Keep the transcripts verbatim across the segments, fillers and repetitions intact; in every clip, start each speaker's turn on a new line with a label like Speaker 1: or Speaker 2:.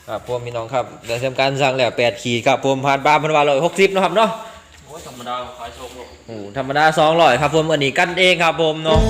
Speaker 1: ครับผมพี่น้องครับได้ทำการสั่งแล้วแปดขีดครับผมผ่านปลาพันวาร้อยหกสิบนะครับเนาะ
Speaker 2: โอ้ยธรรมดาขายโชคโลก
Speaker 1: โอ้ธรรมดาสองร้อยครับผมอันนี้กันเองครับผมเนาะ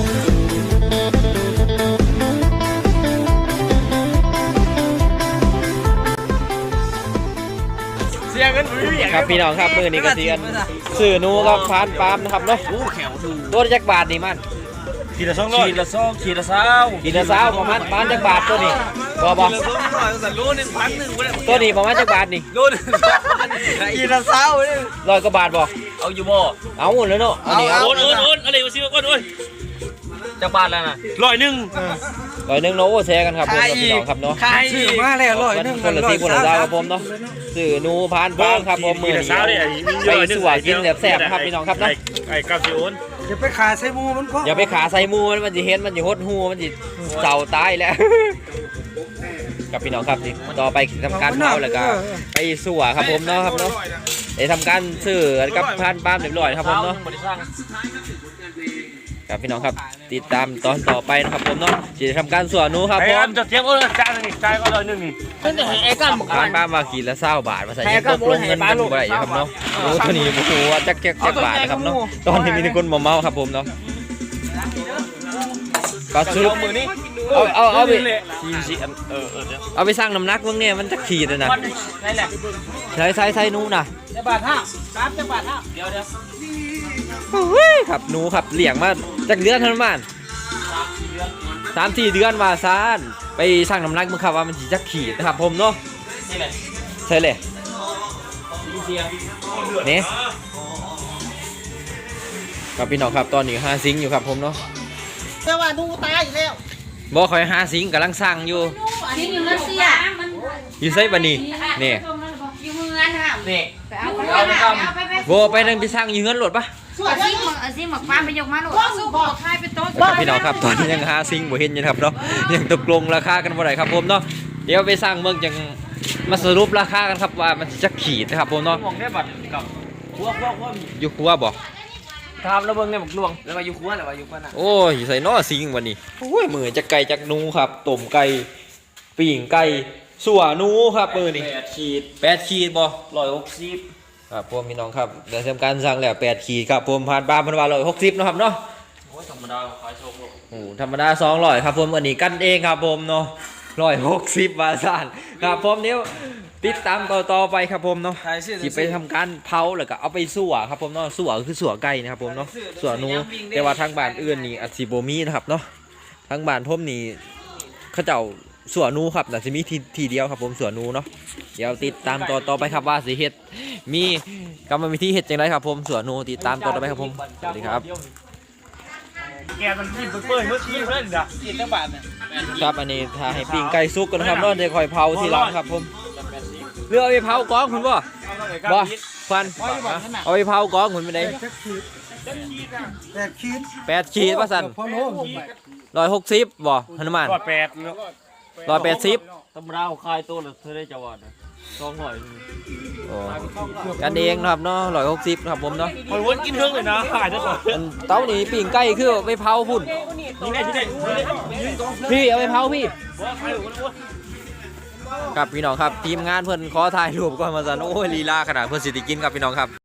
Speaker 2: เสียเงินไม่มี
Speaker 1: ครับพี่น้องครับมือนี้ก็เสียนสื่อนูครับผ่านปลามนะครับเนาะ
Speaker 2: โอ้แขวดู
Speaker 1: ตัวจักบาทนี่มัน
Speaker 2: ขีดละสองร้อยขีดละสองขีดละสาว
Speaker 1: ขีดละสาวประมาณประมาณจักบาทตัวนี้บอบอ
Speaker 2: ขีดละสองร้อยแต่โลหนึ่งพันหนึ่ง
Speaker 1: ตัวนี้ประมาณจักบาทนี่
Speaker 2: โลหนึ่งขีดละสาวเลย
Speaker 1: ร้อยกว่าบาทบอก
Speaker 2: เอาอยู่บ่
Speaker 1: เอาหมดแล้วเนาะอันนี้
Speaker 2: โอนโอนโอนอะไรวะซิวโอนโอนจักบาทแล้วนะร้อยหนึ่ง
Speaker 1: ร้อยหนึ่งเนาะโอ้แชร์กันครับผมพี่น้องครับเนาะ
Speaker 3: ซื้อมาแล้วร้อยหนึ่ง
Speaker 1: คนละสี่คนละเจ้าครับผมเนาะสื่อนูพานปลาครับผมมือนี้ไปสวกินแบบแซ่บครับพี่น้องครับเนาะ
Speaker 2: ไอ้กับซิโอน
Speaker 3: อย่าไปขาใส่มูมันก็
Speaker 1: อย่าไปขาใส่มูมันมันจะเห็นมันจะหดหูมันจะเจ้าตายแล้วกับพี่น้องครับนี่ต่อไปทำการเผาแล้วก็ไปสวครับผมเนาะครับเนาะได้ทำการสื่อกับพานปลาเรียบร้อยครับผมเนาะครับพี่น้องครับติดตามตอนต่อไปนะครับผมเนาะจะทำการสวนนูครับผม
Speaker 2: จะเทียบก็จานนึงจานก็ร้อยหนึ่งนี่ไอ้ก้าม
Speaker 1: บ้านบ้านมากินละเศร้าบาทมาใส่เงินตกลงเงินกันบ่ได้ครับเนาะโอ้ตัวนี้โอ้โหจักจักจักบาทนะครับเนาะตอนนี้มีคนมาเมาครับผมเนาะก็ซื้อเอาเอาเอาไปเอาไปสร้างน้ำหนักเมื่อเนี่ยมันจะขีดเลยนะใช้ใช้ใช้นูนะ
Speaker 2: จะบาทห้าสามจะบาทห้าเดี๋ยวเดี๋ยว
Speaker 1: ครับหนูครับเลี้ยงมาจากเดือนเท่านั้นสามสี่เดือนมาซานไปสร้างน้ำหนักมึงครับว่ามันจะขีดนะครับผมเนาะใช่เลยนี่ครับพี่น้องครับตอนนี้ห้าซิงอยู่ครับผมเนาะ
Speaker 3: แต่ว่าดูตายอีกแล้ว
Speaker 1: บอกคอยห้าซิงกำลังสร้างอยู่
Speaker 4: ซิงอยู่นั่นเสีย
Speaker 1: อยู่ไซบันนี่นี่
Speaker 4: อยู่เมืองค่ะ
Speaker 2: นี่
Speaker 4: ไปเอาไปไป
Speaker 1: โบไปนั่งไปสร้างอยู่เงินหลดปะ
Speaker 4: เอาซิงเอาซิงหมกฟ้าไปยกมาหลดสู้บอกใครเป็นต้น
Speaker 1: พี่น้องครับตอนนี้ยังห้าซิงบ่เห็นอยู่ครับเนาะยังตกลงราคากันบ่ได้ครับผมเนาะเดี๋ยวไปสร้างเมืองยังมาสรุปราคากันครับว่ามันจะขีดนะครับผมเนาะ
Speaker 2: มองได้บัตรกับคัวคัวคัว
Speaker 1: อยู่คัวบ่
Speaker 2: ทำแล้วเบิ่งได้บักลวงแล้วมาอยู่คัวแล้วมาอยู่คัวน่ะ
Speaker 1: โอ้ยใส่นอซิงวันนี้โอ้ยมือจะไก่จากนูครับต้มไก่ปิ่งไก่สัวนูครับมือนี่
Speaker 2: แปดขีด
Speaker 1: แปดขีดบ่
Speaker 2: ร้อยหกสิบ
Speaker 1: ครับผมพี่น้องครับได้ทำการสั่งแล้วแปดขีดครับผมผ่านปลาพันวาร้อยหกสิบนะครับเนาะ
Speaker 2: โอ้ยธรรมดาขายโชคโลก
Speaker 1: โอ้ธรรมดาสองร้อยครับผมอันนี้กันเองครับผมเนาะร้อยหกสิบบาทสั่นครับผมเนี้ยติดตามต่อต่อไปครับผมเนาะที่ไปทำการเผาแล้วก็เอาไปสั่วครับผมเนาะสั่วคือสั่วไก่นะครับผมเนาะสั่วนูแต่ว่าทางบ้านอื่นนี่อัดซีโบมีนะครับเนาะทางบ้านผมนี่เขาเจ้าสั่วนูครับแต่จะมีทีทีเดียวครับผมสั่วนูเนาะเดี๋ยวติดตามต่อต่อไปครับว่าสิเฮ็ดมีกรรมวิธีเฮ็ดจังไรครับผมสั่วนูติดตามต่อต่อไปครับผมสวัสดีครับ
Speaker 2: แกมันกินเปื่อยเมื่อกี้เพื่อนด่ะกินตั้งบาทเนี่ย
Speaker 1: ครับอันนี้ถ้าให้ปิ้งไก่ซุกกันนะครับเนาะจะคอยเผาทีหลังครับผมเรือเอาไปเผากองคุณบ่บ่ควันเอาไปเผากองคุณไปไหน
Speaker 3: แปดขีด
Speaker 1: แปดขีดว่าสั่นร้อยหกสิบบ่ฮนุมาน
Speaker 2: ร้อยแปด
Speaker 1: ร้อยแปดสิบ
Speaker 2: ตำราคายตัวหรือเธอได้จังหวัดสองร้อย
Speaker 1: กันเองนะครับเนาะร้อยหกสิบครับผมเนาะ
Speaker 2: คนวนกินเรื่องเลยนะขายได้ก่อน
Speaker 1: เต้านี่ปิ้งไก่คือไปเผาพุ่นพี่เอาไปเผาพี่ครับพี่น้องครับทีมงานเพิ่นขอถ่ายรูปก่อนมาสั่นโอ้ยลีลาขนาดเพิ่นสิติกินครับพี่น้องครับ